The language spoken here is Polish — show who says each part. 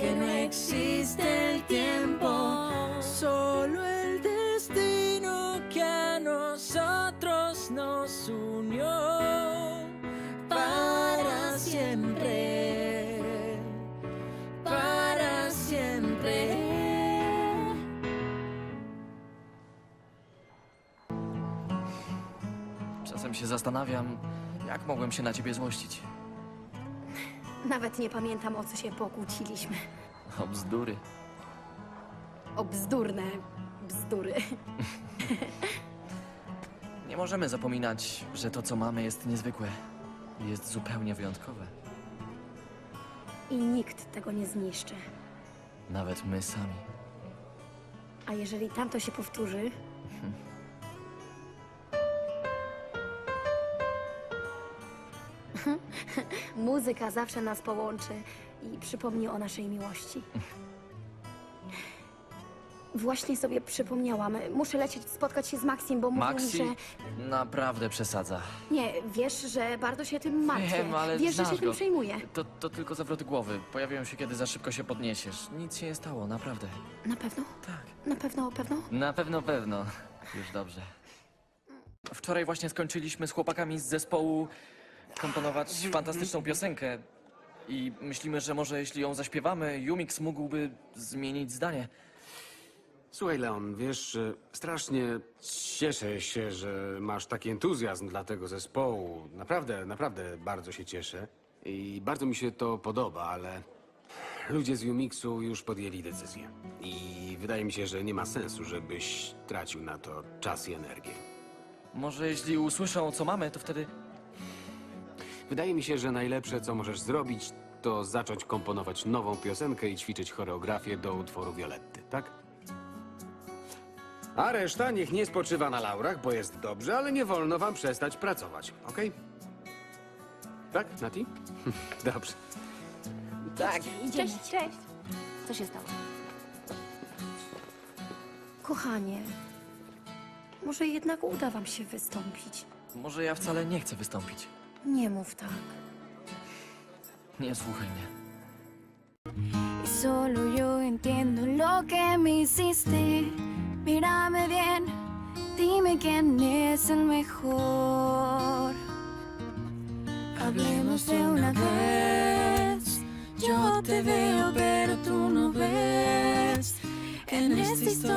Speaker 1: que no existe el tiempo, solo el destino que a nosotros nos unió para siempre, para siempre.
Speaker 2: Czasem się zastanawiam, jak mogłem się na ciebie złościć.
Speaker 3: Nawet nie pamiętam, o co się pokłóciliśmy.
Speaker 2: O bzdury.
Speaker 3: O bzdurne bzdury.
Speaker 2: Nie możemy zapominać, że to, co mamy, jest niezwykłe. Jest zupełnie wyjątkowe.
Speaker 3: I nikt tego nie zniszczy.
Speaker 2: Nawet my sami.
Speaker 3: A jeżeli tamto się powtórzy, muzyka zawsze nas połączy i przypomni o naszej miłości. Właśnie sobie przypomniałam. Muszę lecieć spotkać się z Maxim, bo mówił mi,
Speaker 2: Maxi
Speaker 3: że...
Speaker 2: naprawdę przesadza.
Speaker 3: Nie, wiesz, że bardzo się tym martwię.
Speaker 2: Wiem, ale
Speaker 3: wiesz, że
Speaker 2: znasz
Speaker 3: się tym
Speaker 2: go.
Speaker 3: przejmuję.
Speaker 2: To tylko zawroty głowy. Pojawiają się, kiedy za szybko się podniesiesz. Nic się nie stało, naprawdę.
Speaker 3: Na pewno?
Speaker 2: Tak.
Speaker 3: Na pewno, pewno?
Speaker 2: Na pewno, pewno. Już dobrze. Wczoraj właśnie skończyliśmy z chłopakami z zespołu komponować fantastyczną piosenkę. I myślimy, że może jeśli ją zaśpiewamy, Yumix mógłby zmienić zdanie.
Speaker 4: Słuchaj, Leon, wiesz, strasznie cieszę się, że masz taki entuzjazm dla tego zespołu. Naprawdę, naprawdę bardzo się cieszę. I bardzo mi się to podoba, ale ludzie z Yumixu już podjęli decyzję. I wydaje mi się, że nie ma sensu, żebyś tracił na to czas i energię.
Speaker 2: Może jeśli usłyszą, co mamy, to wtedy...
Speaker 4: Wydaje mi się, że najlepsze, co możesz zrobić, to zacząć komponować nową piosenkę i ćwiczyć choreografię do utworu Violetty, tak? A reszta niech nie spoczywa na laurach, bo jest dobrze, ale nie wolno wam przestać pracować, okej? Tak, Nati? Dobrze.
Speaker 3: Tak, idziemy.
Speaker 5: Cześć.
Speaker 3: Co się stało? Kochanie, może jednak uda wam się wystąpić.
Speaker 2: Może ja wcale nie chcę wystąpić.
Speaker 3: Nie mów tak.
Speaker 2: Nie słuchaj mnie.
Speaker 5: Y solo yo entiendo lo que me hiciste. Mírame bien, dime quién es el mejor. Hablemos de una vez. Yo te veo, pero tú no ves. En esta historia